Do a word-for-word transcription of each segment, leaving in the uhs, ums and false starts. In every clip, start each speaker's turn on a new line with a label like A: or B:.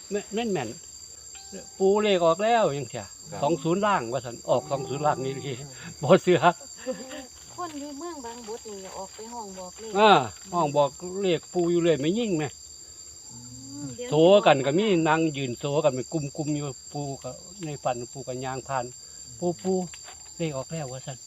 A: แม่นแม่นปูเลขออกแล้วยังเถียสองศูนย์ล่างว่าสันออกสองศูนย์ล่างนี่ทีบ่เสือ
B: คนอยู่เมืองบางบดนี่ออกไปห้องบอกเลข
A: อ่าห้องบอกเลขปูอยู่เลยไม่ยิ่งไหมโซกันก็มีนางยืนโซกันเป็นกลุ่มๆอยู่ปูกับในฝันปูกับยางผ่านปูปูเลขออกแล้วว่าสัน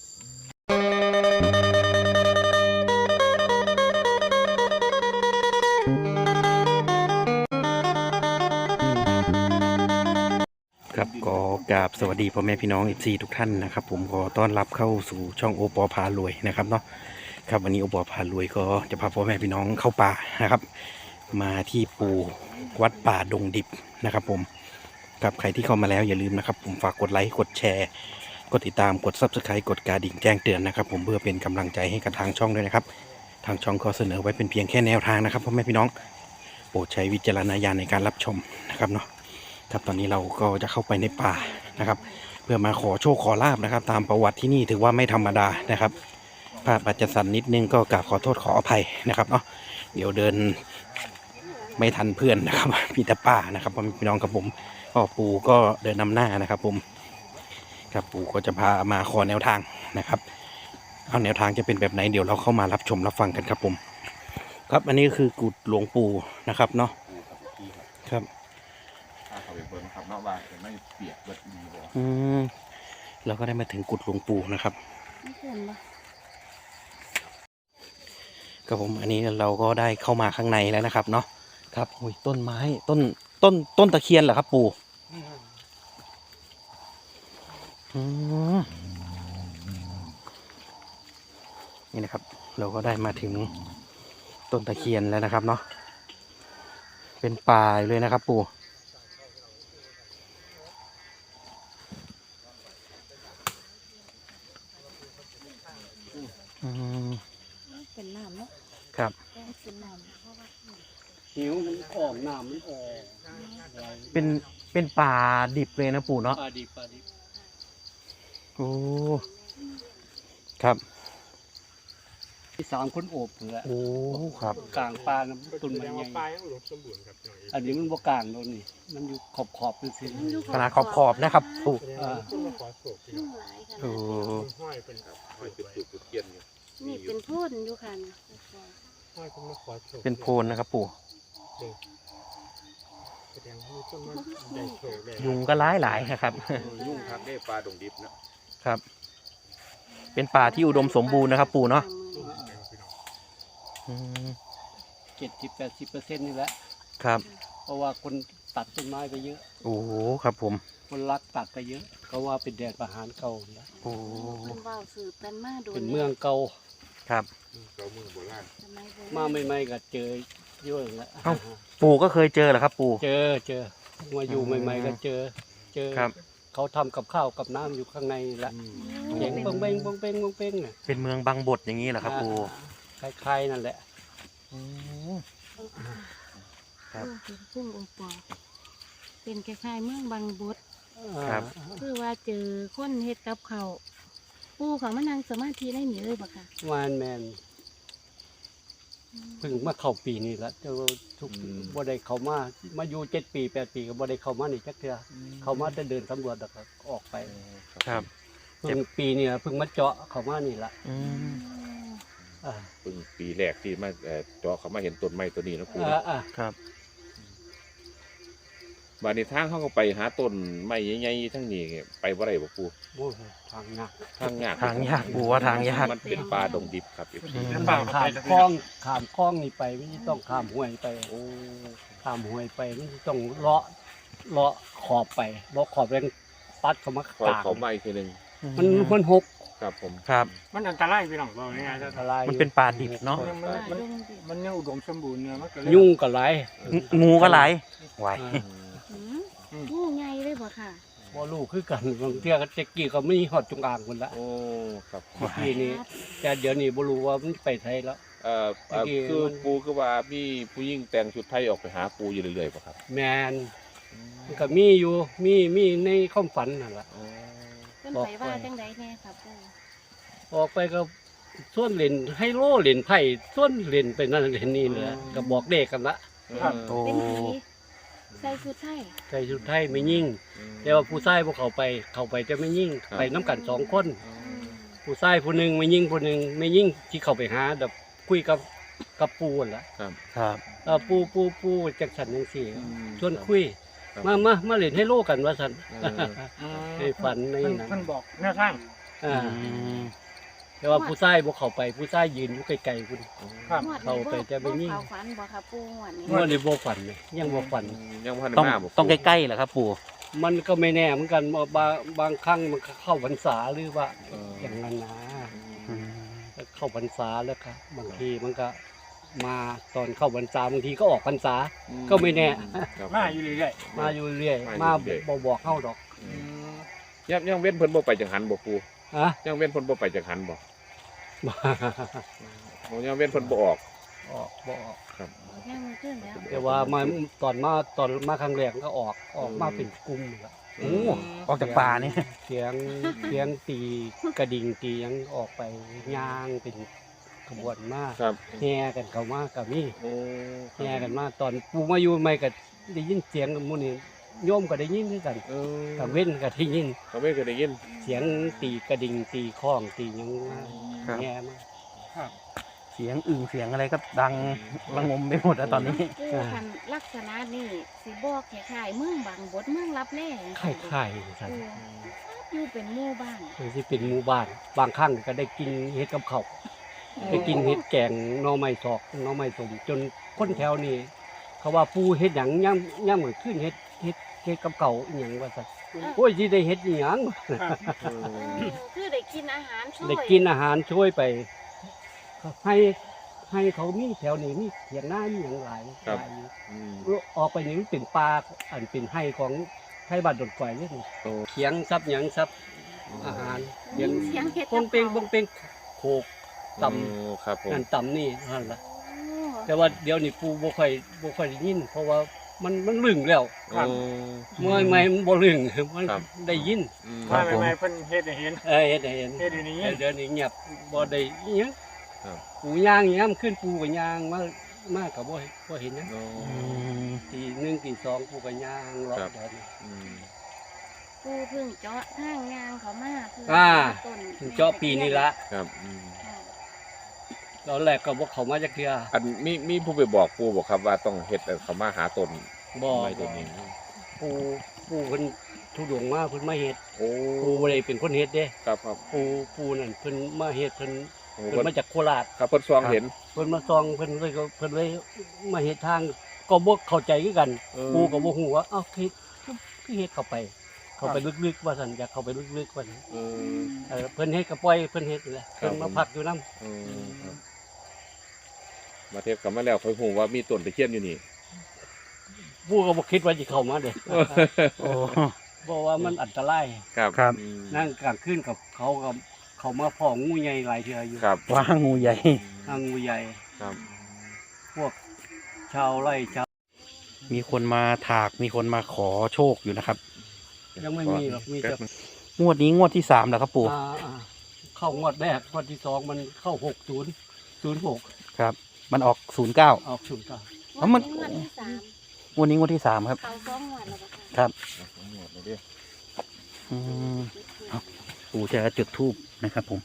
C: ครับก็กราบสวัสดีพ่อแม่พี่น้องเอฟซีทุกท่านนะครับผมขอต้อนรับเข้าสู่ช่องโอปอพารวยนะครับเนาะครับวันนี้โอปอพารวยก็จะพาพ่อแม่พี่น้องเข้าป่านะครับมาที่ปูวัดป่าดงดิบนะครับผมครับใครที่เข้ามาแล้วอย่าลืมนะครับผมฝากกดไลค์กดแชร์กดติดตามกดซับสไครต์กดกระดิ่งแจ้งเตือนนะครับผมเพื่อเป็นกำลังใจให้กับทางช่องด้วยนะครับทางช่องก็เสนอไว้เป็นเพียงแค่แนวทางนะครับพ่อแม่พี่น้องโปรดใช้วิจารณญาณในการรับชมนะครับเนาะครับตอนนี้เราก็จะเข้าไปในป่านะครับเพื่อมาขอโชคขอลาบนะครับตามประวัติที่นี่ถือว่าไม่ธรรมดานะครับภาพอาจจะสั่นนิดนึงก็กราบขอโทษขออภัยนะครับเนาะเดี๋ยวเดินไม่ทันเพื่อนนะครับพี่ตาป้านะครับพี่น้องกับผมพ่อปู่ก็เดินนำหน้านะครับผมครับปู่ก็จะพามาขอแนวทางนะครับเอาแนวทางจะเป็นแบบไหนเดี๋ยวเราเข้ามารับชมรับฟังกันครับผมครับอันนี้คือกุฏหลวงปู่นะครับเนาะครับ
D: เขาไปเบิ่งครับเนาะว่าจะไม่เปียกเบิดดีบ่
C: อืมเราก็ได้มาถึงกุฏหลวงปู่นะครับครับผมอันนี้เราก็ได้เข้ามาข้างในแล้วนะครับเนาะครับโอ้ยต้นไม้ต้นต้นต้นตะเคียนเหรอครับปู่อืมนี่นะครับเราก็ได้มาถึงต้นตะเคียนแล้วนะครับเนาะเป็นป่าเลยนะครับปู่
B: เป็นน้ำเนาะ
C: ครับ
B: เป็นน้ำเพราะว่า
A: หิวมันออกน้ำมันออก
C: เป็นเป็นป่าดิบเลยนะปู่เนาะ
A: ป่าดิบป่าดิบ
C: โอ้ครับ
A: ที่สามคนโอบเหรอ
C: โอ้ครับ
A: กลางป่าน้ำต้นไม้ใหญ่อันนี้มันบ่กลางโดนนี่มันอยู่ขอบขอบเป็นสิ
C: ขนาดขอบขอบนะครับปู่
A: อ่า
C: โอ้
D: ห้อยเป็นครับห้อยจุดจุดจุดเทียนอยู่
B: นี่เป็นโพ่นอยู่ค่ะ
D: ห้อยเป็นมาขอโชค
C: เป็นโพนนะครับปู่ยุงก็ร้ายหลายนะครับ
D: ยุ่งครับได้ปลาดงดิบ
C: นะครับเป็นป่าที่อุดมสมบูรณ์นะครับปู่เนาะ
A: เจ็ดสิบแปดสิบเปอร์เซ็นต์นี่แหละ
C: ครับ
A: เพราะว่าคนตัดต้นไม้ไปเยอะ
C: โอ้ครับผม
A: คนรักตัดไปเยอะก็ว่าเป็นแดนประหารเก่าแล้ว
C: โอ้
B: เป็นว่าวสืบกันมาโดน
A: เป็นเมืองเก่า
C: ครับ
D: เก่าเมืองโบราณ
A: มาใหม่ๆก็เจอเยอะแล้ว
C: ปู่ก็เคยเจอเหรอครับปู่
A: เจอเจอมาอยู่ใหม่ๆก็เจอเจอเขาทำกับข้าวกับน้ำอยู่ข้างในแหละเสียงบงเบงบงเบงบงเบงเนี่ย
C: เป็นเมืองบางบดอย่างนี้เหรอครับปู่
A: คล้ายๆนั่นแหละ
B: ครับเป็นพุ่งโอปอเป็นคล้ายๆเมืองบางบด
C: ครับ
B: คือว่าเจอคนเฮ็ดกับเขาปู่เขามานั่งสมาธิได้หนีเลยปะค่ะ
A: วานแมนเพิ่งมาเข้าปีนี้ละเจ้าทุกบ่ได้เข้ามามาอยู่เจ็ดปีแปดปีก็บ่ได้เข้ามานี่จักเทื่อเข้ามาจะเดินสำรวจแล้วก็ออกไป
C: ครับ
A: เพิ่งปีนี้เพิ่งมาเจาะเข้ามานี่ละ
D: เพิ่งปีแรกที่มาเจาะเขามาเห็นต้นไม้ตัวนี้นะครู
C: ครับ
D: บานในทางเขาก็ไปหาต้นไม้ใหญ่ๆทั้งนี้ไปบ่ได้บ่ครู
A: ทางยาก
D: ทางยาก
C: ทางยากปู่ว่าทางยาก
D: มันเป็นป่าดงดิบครับ
A: ข้ามคลองข้ามคลองนี่ไปไม่ต้องข้ามห้วยไปโอ้ข้ามห้วยไปไม่ต้องเลาะเลาะขอบไปเลาะขอบแรงปัดเข้ามากลาง
D: เขาไม้ทีนึง
A: มันมันหก
D: ครับผม
C: ครับ
E: มันอันตรายพี่น้องบอกง่ายๆอันตราย
C: มันเป็นป่าดิบเนาะ
E: มันมันยังอุดมสมบูรณ์เนี่ยมันก็
A: ยุ่งก็ไหล
C: งูก็ไหลไหว
B: งูใหญ่เลยบ่ค่ะ
A: บ่ลูกคือกันบางเที่ยก็เจ๊กี้ก็ไม่หอดจงอางคนละ
D: โอ้ครับ
A: ทีนี้แต่เดี๋ยวนี้บ่รู้ว่ามันไปไทยแล้ว
D: เอ่อคือปูก็ว่ามีผู้หญิงแต่งชุดไทยออกไปหาปูอยู่เรื่อยๆป่ะครับ
A: แมนมันก็มีอยู่มีมีในความฝันนั่นแหละ
B: เพิ่นไปว่าจังไดแน่ครับ
A: ออกไปก็ส่วนเล่นให้โล่เล่นไผ่ส่วนเล่นไปนั่นเล่นนี่เลยก็บอกเด็กกันละ
B: เป็นผีใส่สุดท้าย
A: ใส่ชุดไทยไม่ยิ่งแต่ว่าผู้ชายพวกเขาไปเขาไปจะไม่ยิ่งไปน้ำกันสองคนผู้ชายผู้หนึ่งไม่ยิ่งผู้หนึ่งไม่ยิ่งที่เขาไปหาแบบคุยกับกับปูนั่นล่ะ
D: ครับ
C: ครับ
A: เออปูปูปูจักสันจังซี่ชวนคุยมามามาเล่นให้โลกันว่าสันในฝันใน
E: เพิ่น
A: นั้น
E: เพิ่นบอกแนวทาง
A: อ่าแต่ว่าผู้ชายพวกเขาไปผู้ชายยืนอยู่ไกลๆคุณ
E: ครับ
B: งวด
A: เข้าไปจะไม่ยิ่ง
B: บ่เข้าฝันบ่ค่ะปูงวดนี้
A: เมื่อในบ่ฝันเลยยังบ่ฝัน
D: ยังพัน
C: ต้อง
D: มาบ่
C: ต้องใกล้ๆเหรอครับปู่
A: มันก็ไม่แน่เหมือนกันบางบางครั้งมันก็เข้าพรรษาหรือว่า
D: เออ
A: อย่างนั้นนะ
C: อืม
A: เข้าพรรษาแล้วครับบางทีมันก็มาตอนเข้าพรรษาบางทีก็ออกพรรษา ก็ไม่แน่
D: ครับ
E: มาอยู่เรื่อย
A: มาอยู่เรื่อย
D: มา
A: มา
D: อยู่เรื่อย
A: บ่บอกเข้าดอก
E: ๆอืม
D: ยังยังเว้นเพิ่นบ่ไปจังหันบ่ปู
A: ฮะ
D: ยังเว้นเพิ่นบ่ไปจังหันบ่โอ้ยังเว้นเพิ่นบ่ออก
A: ออกบ่ออก
B: ยังไม่ขึ้นแล้ว
A: แต่ว่ามาตอนมาตอนมาครั้งแรกก็ออกออกมาเป็นกลุ่มละ
C: โอ้ออกจากป่าเนี่ย
A: เสียงเสียงตีกระดิ่งตีหยังออกไปย่างเป็นขบวนมาก
D: ครับ
A: แห่กันเข้ามากับนี่
D: โอ้
A: แห่กันมาตอนปูมาอยู่ใหม่ก็ได้ยินเสียงหมู่นี่โยมก็ได้ยินคือกัน
D: เออ
A: กับเว้นก็ได้ยิน
D: เขาไม่เคยได้ยิน
A: เสียงตีกระดิ่งตีข้องตีหยังมา
C: ครับ
A: แห่มา
C: เสียงอึ่งเสียงอะไรก็ดังระงมไปหมดแล้วตอนนี้
B: ปูคันลักษณะนี่สิบอกคล้ายๆเมืองบางบดเมืองรับแล
A: ไข่ไข่สัน
B: ปูอยู่เป็นหมู่บ้าน
A: คือสิเป็นหมู่บ้านบางครั้งก็ได้กินเฮ็ดกับเขาวได้กินเฮ็ดแกงหน่อไม้สอกหน่อไม้สมจนคนแถวนี้เขาว่าปูเฮ็ดหยังย่ำย่ำเหมือนขึ้นเฮ็ดเฮ็ดเฮ็ดกับเก่าวอหยังว่าซั่นโอ้ยสิได้เฮ็ดอีหยัง
D: เอ
B: เอ
D: อ
B: อคือได้กินอาหารช่วย
A: ได้กินอาหารช่วยไป ให้ให้เขามีแถวนี้มีเถียงหน้ามีหยังหลายหลายอยู่
D: อืม
A: ออกไปนี่มันเป็นป่าอันเป็นไห้ของไทยบ้านดอนไฟนี่นี่
D: โอ้
A: เขียงซับหยังซับอาหารเขียง
B: เสียงเฮ็ด
A: ปงเปงปงเปงโขกต
D: โอ้ครับผม
A: ำนั่นตำนี่นั่นล่ะ
B: โอ้
A: แต่ว่าเดี๋ยวนี้ปูบ่ค่อยบ่ค่อยได้ยิน เพราะว่ามันมันลึงแล้ว
D: โอ้
A: เมื่อไม่มันบ่ลึงมัน
D: ครับ
A: ได้ยิน
D: อืม
C: ครั
E: มา
C: บผม
E: ใหม่ๆเพิ่นเฮ็ดให้เห็น
A: เออเฮ็ดให้เห็น
E: เฮ็ดให้ได้ยิน
A: เดี๋ยวนี้เงียบบ่ได้อิหยัง
D: ครับ
A: ปูย่างย่ํขึ้นปูก็ย่างมามาก็บ่บ่เห็นหยัง
D: โอ้
C: อืม
A: ตีหนึ่งตีสองปูก็ย่างรอบ
D: ครับ
A: เดี๋ยวนี้
D: อืม
B: ปูเพิ่งเจาะทางยางเขามาเพื่
A: อ่า
B: ต้น
A: ถึงเจาะปีนี้ละ
D: ครับอืม
B: ค่ะ
A: ตอนแรกก็บ่เข้ามาจักเทื่อ
D: อันมีมีผู้ไปบอกปูบอกครับว่าต้องเฮ็ดเอาเขามาหาตน
A: บ่
D: ไม้ตัวนี้
A: ปูปูเพิ่นทุดงมาเพิ่นมาเฮ็ด
D: โอ้
A: ปูบ่ได้เป็นคนเฮ็ดเด้
D: ครับครับ
A: ปูปูนั่นเพิ่นมาเฮ็ดเพิ่น
D: โอ้
A: เพิ่นมาจากโคราช
D: ครับเพิ่นซองเห็น
A: เพิ่นมาซองเพิ่นเลยก็เพิ่นเลยมาเฮ็ดทางก็บ่เข้าใจคือกัน
D: เออ
A: ปูก็บ่ฮู้ว่าเอ้าเฮ็ดคือเฮ็ดเข้าไป เข้าไปลึกๆว่าซั่นอยากเข้าไปลึกๆว่าซั่น
D: เออ
A: เออเพิ่นเฮ็ดก็ปล่อยเพิ่นเฮ็ดนี่แหละ
D: ครับ
A: เพิ่นมาพักอยู่นำ
D: เออครับมาเทศกลับมาแล้วค่อยฮู้ว่ามีต้นตะเคียนอยู่นี่
A: ปูก็บ่คิดว่าสิเข้ามาเด้
C: โอ้
A: เพราะว่ามันอันตราย
D: ครับ
C: ครับ
D: อืม
A: นั่งกลางคืนกับเขากับเขามาพ้องูใหญ่หลายเทื่ออยู่
D: ครับ
C: ว่างูใหญ่
A: ทางงูใหญ่
D: ครับ
A: พวกชาวไร่ชาว
C: มีคนมาถากมีคนมาขอโชคอยู่นะครับ
A: ยังไม่มีหรอกมีแต่
C: งวดนี้งวดที่สามแล้วครับปู่
A: อ่าอ่าเข้างวดแรกงวดที่สองมันเข้าหกศูนย์ศูนย์หก
C: ครับ มันออกศูนย์เก้า
A: ออกศูนย์เก้า
C: แล้วมัน
B: งวดที่สาม
C: งวดนี้งวดที่สามครับ
B: เขาสองงวดแล้วบ่ค่ะ
C: ครับ
D: เอาทั้งหมดเลยดิ
C: อืมปู่จะจุดธูปนะครับผม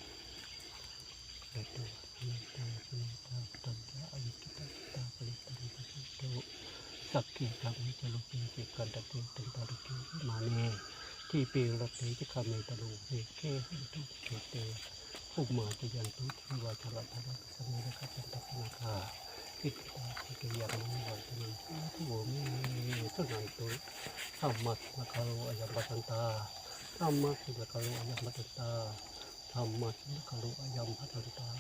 A: สักเกียรติมิจลุกิเกกันตะตุตึงตะลุกิมาเนที่เปรรัตเตจิคาเมตะลุเฮเกหิตุเกเตอุมาติยันตุทิวาชรัตถะสมิระกัปตัพนาคาอิติตาเกยังมิวันตนังทุโวมิสุนันตุสัมมัตนะคาโรอยัมปตันตาสัมมัตนะคาโรอยัมปตันตาสัมมัตนะคาโรอยัมปตันตา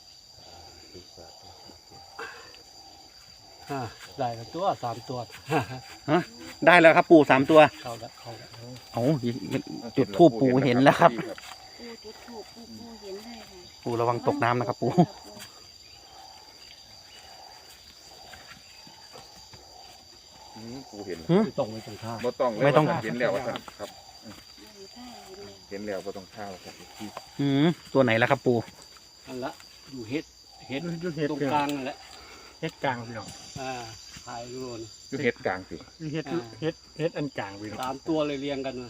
A: อ่าได้แล้วตัวสามตัว
C: ฮะได้แล้วครับปู่สามตัว
A: เข้าแล้วเข้าแล้ว
C: เอาจุดธูปปู่เห็นแล้วครับ
B: ปูจุดถูกปูปูเห็นได้ค่ะ
C: ปู่ระวังตกน้ำนะครับปู่
D: อืมปูเห็น
C: หึ
A: ไม่ต้องไม่ต้องท่า
D: บ่ต้องเลย
C: ไม่ต้อง
D: ว่าเห็นแล้วว่าซั่นครับ
B: อยู่ใต้อยู่เลย
D: เห็นแล้วบ่ต้องข้าวครับที่
C: อืมตัวไหนแล้วครับปู่
A: อันละอยู่เฮ็ดเฮ็ด
E: อยู่เฮ็ด
A: ตรง
E: พี่
A: ก
E: น้อ
A: ลาง งนั่นแหละ
E: เฮ็ดกลางพี่น้อง
A: อ่าผถ่ายรูปนะ
D: อยู่เฮ็ดกลางสิ
E: เฮ็ดเฮ็ดเฮ็ดอันกลางพี่น้อง
A: สามตัวเลยเรียงกันมา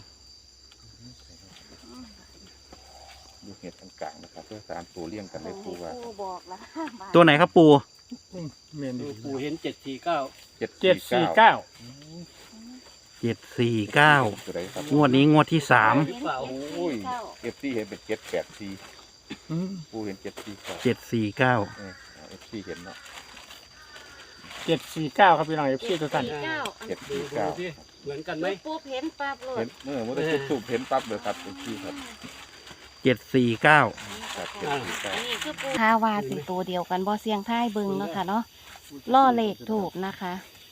D: อยู่เฮ็ดอันกลางนะครับเพื่อสามตัวเลี้ยงกันได้ปูว่า
B: ปูบอกละ
C: ตัวไหนครับปู
E: แม่น
A: ดู
E: ดี
A: ปูเห็นเจ็ดสี่เก้า
D: เจ็ด
E: เจ็ดสี่เก้า
C: เจ็ดสี่เก้า
D: ตัวไหนครับ
C: งวดนี้งวดที่สาม
D: โอ้ยเอฟซีเห็นเป็นเจ็ดแปดสี่
E: อืม
D: ปูเห็นเจ็ดสี่เก้า
C: เจ็ดสี่เก้า
D: เออเอฟซีเห็นเนาะ
E: เจ็ดสี่เก้าครับพี่น้องเอฟซีทุกท่าน
B: เก้า
D: เจ็ด
A: ดู
D: สี่
A: ดู
D: เก้า
A: สิเหมือนกันไหม
B: ปูเห็นปั๊บโล
D: เห็
B: ด
D: นเมื่อเมื่อได้สูบเห็นปั๊บเลยครับเอฟซีครับ
C: เจ็ดสี่เก้า
D: ครับเจ็ดสี่เก้า
B: นี่คือปูทาวาสิตัวเดียวกันบ่เสียงท้ายเบิ่งเนาะค่ะเนาะล่อเลขถูกนะคะ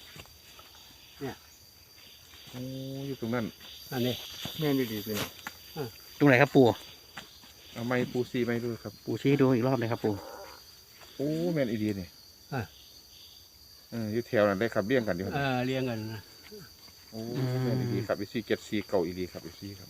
D: โอ้อยู่ตรงนั้น
A: อันนี้
E: แม่นดีพี่น้อง
C: ตรงไหนครับปู
D: เอาไม้ปูซีไม้ด้วยครับ
C: ปูชี้ดูอีกรอบเลยครับปู
D: โอ้แม่นอีดีนี่
A: อ่ะ
D: เอออยู่แถวนั้นได้ครับเลี้ยงกันอยู่
A: เออเรียงกันนะ
D: โอ้แม่นอีดีครับเอฟซีเจ็ดสี่เก้าอีดีครับเอฟซีครับ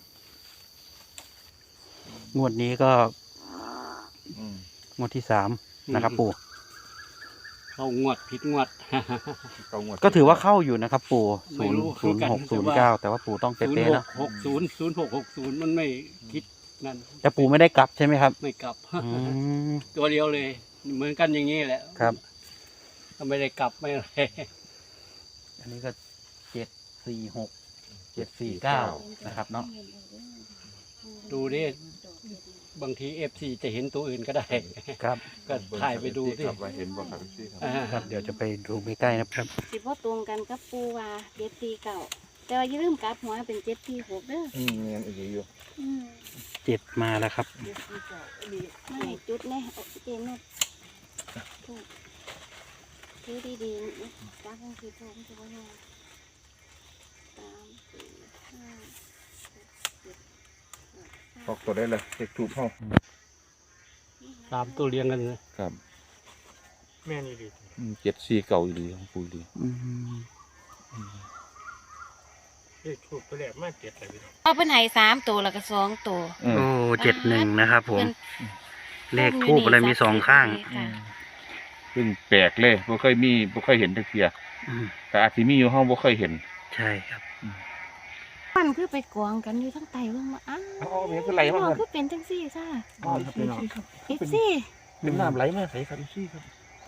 C: งวดนี้ก็
D: อืม
C: งวดที่สามนะครับปู
A: เข้างวดผิดงวด
D: เก้างวด
C: ก็ถือว่าเข้าอยู่นะครับปู
A: ไม่
C: ศูนย์
A: รู้
C: ศูนย์หก
A: เหมื
C: ศู
A: อน
C: น
A: กัน
C: ย์เก้าแต่ว่าปูต้อง
A: ศูนย์
C: เป๊ะ
A: ห
C: ๆนะ
A: กหกศูนย์ศูนย์หกหกศูนย์มันไม่คิดนั่น
C: แต่ปูไม่ได้กลับใช่ไหมครับ
A: ไม่กลับ
C: อืม
A: ตัวเดียวเลย เหมือนกันอย่างนี้แหละ
C: ครับ
A: ก็ไม่ได้กลับไม่อะไร
C: อันนี้ก็เจ็ดสี่หกเจ็ดสี่เก้านะครับเนาะ
A: ดูดิบางทีเอฟซีจะเห็นตัวอื่นก็ได้
C: ครับ
A: ก็ถ่ายไปดูสิ
D: ครับว่าเห็นบ่ครับเอฟซีครับ
A: อ่า
C: ครับเดี๋ยวจะไปดูใกล้ๆนะครับ
B: สิบ่ตรงกันกับปูว่าเจ็ดสี่เก้าแต่ว่าอย่าลืมกลับหัวเป็นเจ็ดสี่หกเด้อ
D: อืมแม่นอีดีอยู่
B: อืม
C: เจ็ดมาแล้วครับ
B: ไม่จุดแน่เอาเจนนถูกถือดีๆจักยังคือถูกจะว่าไงสามสี่ห้าหกเจ็ด
D: ออกตัวได้เลยเด็กถูกห้อง
A: สามตัวเรียงกันเลย
D: ครับ
E: แม่นดี
D: เจ็ดสี่เก้าอีดีของปูอีดี
C: อืม
E: เลขถูกไปแล้วมาเจ็ดเลยพี่น้อง
B: เอาเป็นไห้สามตัวแล้วก็สองตัว
D: อืม
C: โอ้เจ็ดหนึ่งนะครับผม
B: เป็น
C: เลขทูบอะไรมีสองข้าง
B: ค่ะ
D: ซึ่งแปลกเลยบ่เคยมีบ่เคยเห็นตะเกีย
C: อืม
D: แต่อาจสิมีอยู่ห้องบ่เคยเห็น
C: ใช่ครับ
B: มันคือไปกองกันอยู่ทั้งไตเบิ่งมาอ้าว
D: อ๋อมันคือไหลมาครับ
B: คือเป็นจังซี่ซ่า
E: อ๋อครับพี่น้อง
B: อีกซี่
D: เป็นน้ำไหลมาใส่ครับซี่ครับ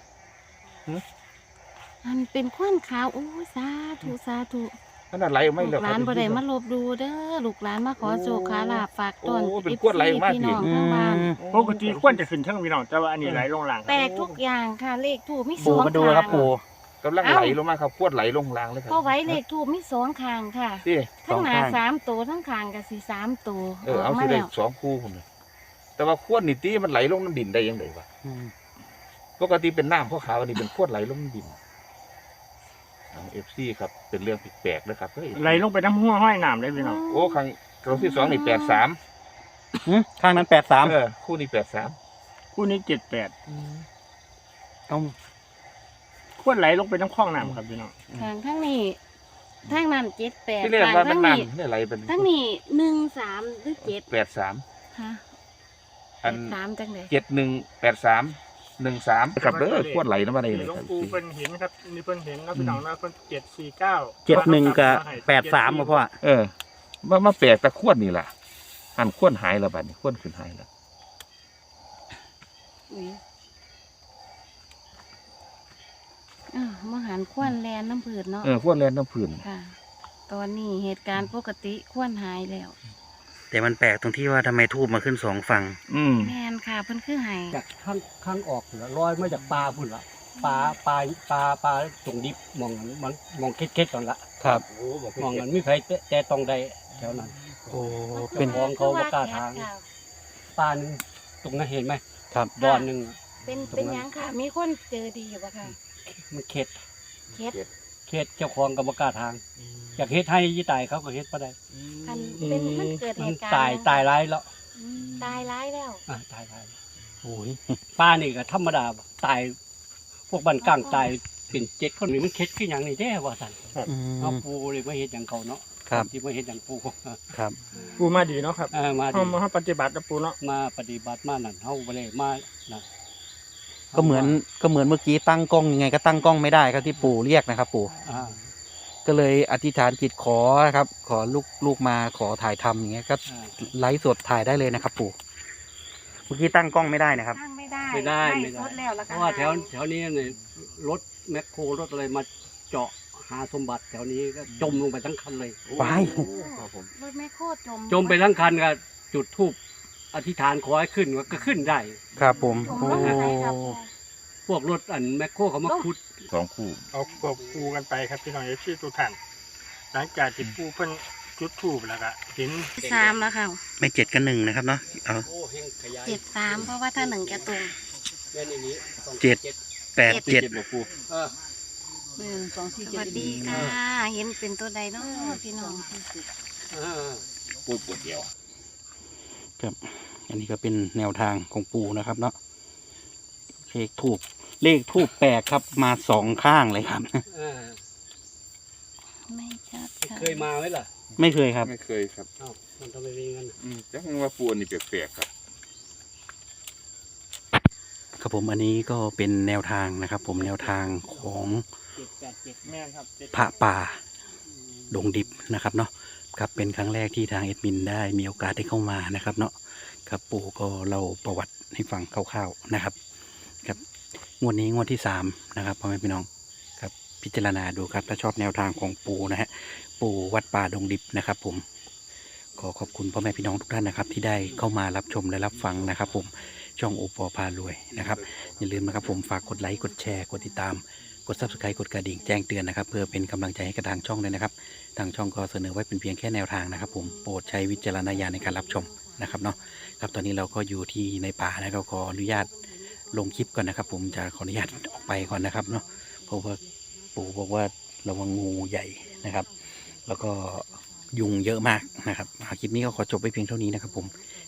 B: อันเป็นควันขาวโอ้ยสาธุสาธุ
D: ขนาดไหลออกไม่
B: ลู
D: แล้ว
B: กหลานบ่ได้มาลบดูเด้อลูกหลานมาขอโชคขอลาบฝากต้น
D: โอ้เป็นกวดไหลมาก
B: พี่น้อง
C: อื
B: ทางบ้าน
C: ม
E: ปกติควรจะขึ้นทั้งพี่น้องแต่ว่าอันนี้ไหลลงหลัง
B: แปลกทุกอย่างค่ะเลขถูกมีส
C: ปู
B: อง
C: มาดูนะครับ
B: ข้าง
C: ปู
D: กำลังไหลลงมาครับขวดไหลลงรางเลยครั
B: พอไว้เลขถูกมีสองข้างค่ะ
D: นี่
B: ทั้งหน้า
C: สองข้าง
B: สามตัวทั้งข้างก็สิสามตัว
D: เออเอา
B: กมา
D: สิได้
B: แล้ว
D: สองคู่ผมเลยแต่ว่าขวดนี่ตีมันไหลลงน้ำดินได้ยังไงวะ
C: อืม
D: ปกติเป็นน้ำเพราะขาวอันนี้เป็นขวดไหลลงน้ำดินเอฟซีครับเป็นเรื่องแปลกๆนะครับเฮ้ย
E: ไหลลงไปน้ำหัวห้อยน้ำเลยพี่น้อง
D: โอ้ครั้งครั้งที่สองนี่แปดสาม
C: หืมข้างนั้นแปดสาม
D: เออคู่นี้แปดสาม
E: คู่นี้เจ็ดแปด
C: ต้อง
E: ควรไหลลงไปน้ำคลองน้ำครับพี่น้อง
B: ข้างทั้งนี้ทั้งนั้นเจ็ดแปด
D: ที่เรียก
B: ข้าง
D: ว่ามัน
B: ทั้งนี้
D: น้ำนี่ไหลเป็น
B: ทั้งนี้หนึ่งสามหรือเจ็ด
D: แปดสาม
B: ฮะ
D: อัน
B: สามจังเลย
D: เจ็ดหนึ่งแปดสามหนึ่งสามครับเด้อขวดไหลน้ำมันเลย
E: หลว
D: ค
E: ง
D: รับ
E: ปู่เพิ่นเห็นครับนี่เพิ่นเห็นแล้วพี่น้องนะเพิ่นเจ็ดสี่เก้า
C: เจ็ดหนึ่งกับแปดสามมาพ่อ
D: เออมามาแปลกแต่ขวดนี่ล่ะอันขวดหายแล้วบัดนี้ขวดขึ้นหายแล้ว
B: อุ๊ยอ้าวมาหันควนแลนน้ำผืดเนาะ
D: เออขวดแลนน้ำผื่น
B: ค่ะ ตอนนี้เหตุการณ์ปกติควนหายแล้ว
C: แต่มันแปลกตรงที่ว่าทำไมทูบมาขึ้นสองฝั่ง
D: อืม
B: แมนค่ะเพิ่นคือหาย
A: จากข้างข้างออกเหรอลอยมาจากปลาพุ่นละปลาปลาปลาปลาตรงดิบมองมันมองเค็ดๆก่อนละ
C: ครับ
A: มองกันไม่ใครแต่ตรงใดแถวนั้น
C: โอ้
A: เป็
C: เป็น น
A: ของเขาประกาศทาง
B: ค่ะ
A: ปลาหนึงตรงนั้นเห็นไหม
C: ครับ
A: ดอนหนึ่งอะ
B: เป็นเป็นหยังค่ะ มีคนเจอดีอยู่ปะค่ะ
A: มันเข็ด
B: เคส
A: เข็ดเจ้าของกับประกาศทางอยากเฮ็ดให้ยี่ตายเขาก็เฮ็ดบ่ได้
B: อันเป็นมันเกิดเห
A: มัน
B: ตุการณ์
A: ตายตายร้ายแล้ว
B: อืมตายร้ายแล้ว
A: อ่ะตายร้าย
C: โอ้ย
A: ปลานี่ก็ธรรมดาบ่ตายพวกบ้านกลางตายเป็นเจ็ดคนนี่มันเข็ดคือหยังนี่แท้ว่าซั่น
C: อื
A: เอา
C: ม
A: ปูเลยมาเฮ็ดหยังเขาเนาะ
C: ครับ
A: ที่มาเฮ็ดหยังปู
C: ครับ
E: ปู่มาดีเนาะครับ
A: เออมา
E: เฮา
A: ดี
E: มาเฮาปฏิบัตินะปู่เนาะ
A: มาปฏิบัติมานั่นเฮาบ่ได้มานั่น
C: ก็เหมือนก็เหมือนเมื่อกี้ตั้งกล้องยังไงก็ตั้งกล้องไม่ได้ครับที่ปู่เรียกนะครับ ปู่
A: อ่า
C: ก็เลยอธิษฐานจิตขอนะครับ ขอลูกลูกมาขอถ่ายทำอย่างเงี้ยก็
A: อ่า
C: ไลฟ์สดถ่ายได้เลยนะครับ ปู่เมื่อกี้ตั้งกล้องไม่ได้นะครับ
B: ตั้งไม่ได้
A: ไม่ได้
B: ไม่
A: ไม่ได้
B: สุดแล้วแล้ว
A: เพ
B: ก็
A: ราะว่าแถวแถวนี้เนี่ยรถแมคโครรถอะไรมาเจาะหาสมบัติแถวนี้ก็จมลงไปทั้งคันเลย
C: ไป
D: ครับผม
B: รถแม่โคตรจม
A: จมไปทั้งคันก็จุดธูปอธิษฐานขอให้ขึ้นก็ขึ้นได้
C: ครับผม
B: จม
C: โอ้
B: ลงไปไหนครับ
A: พวกรถอันแมคโครเขามาขุด
D: สองคู่
E: เอาควบคู่กันไปครับพี่น้องเอฟซีทุกท่านหลังจากที่ปูเพิ่นจุดถูกแล้วก็เห็น
B: สามแล้วค่ะ
C: ไม่เจ็ดกับหนึ่งนะครับเนาะเอา
A: โอ้เฮงขยาย
B: เจ็ดสามเพราะว่าถ้าหนึ่งจะตรง
A: แม่นอย่างนี้สอง
C: เจ็ด แปดเจ็ด
D: เจ็ดบ่ปู
A: เออ
B: สวัสดีค่ะ เห็นเป็นตัวใดเนาะพี่น้อง
A: เออ
D: ปูปวดเดียว
C: ครับอันนี้ก็เป็นแนวทางของปู่นะครับเนาะเลขทูบเลขทูบแปลกครับมาสองข้างเลยครับ
A: เออ
B: ไม่ชัดค่ะ
A: เคยมาไหมล่ะ
C: ไม่เคยครับ
D: ไม่เคยครับ
A: อ้าวมันทำไมเป็นงั้นน่ะ
D: อืมจังว่าปูอันนี้แปลกๆครับ
C: ครับผมอันนี้ก็เป็นแนวทางนะครับ ผมแนวทางของ
A: เจ็ดแปดเจ็ด
E: แม่นครับเจ็ด
C: พระป่าดงดิบนะครับเนาะครับเป็นครั้งแรกที่ทางเอ็ดมินได้มีโอกาสได้เข้ามานะครับเนาะครับปู่ก็เล่าประวัติให้ฟังคร่าวๆนะครับครับงวดนี้งวดที่สามนะครับพ่อแม่พี่น้องครับพิจารณาดูครับถ้าชอบแนวทางของปู่นะฮะปู่วัดป่าดงดิบนะครับ ผมขอขอบคุณพ่อแม่พี่น้องทุกท่านนะครับ ที่ได้เข้ามารับชมและรับฟังนะครับ ผมช่องโอปอพารวยนะครับอย่าลืมนะครับผมฝากกดไลค์กดแชร์กดติดตามกด ซับสไครบ์ กดกระดิ่งแจ้งเตือนนะครับเพื่อเป็นกำลังใจให้กับทางช่องเลยนะครับทางช่องก็เสนอไว้เป็นเพียงแค่แนวทางนะครับ ผมโปรดใช้วิจารณญาณในการรับชมนะครับเนาะครับตอนนี้เราก็อยู่ที่ในป่านะครับขออนุญาตลงคลิปก่อนนะครับ ผมจะขออนุญาตออกไปก่อนนะครับเนาะเพราะว่าปู่บอกว่าระวังงูใหญ่นะครับ แล้วก็ยุงเยอะมากนะครับคลิปนี้ก็ขอจบไปเพียงเท่านี้นะครับ ผม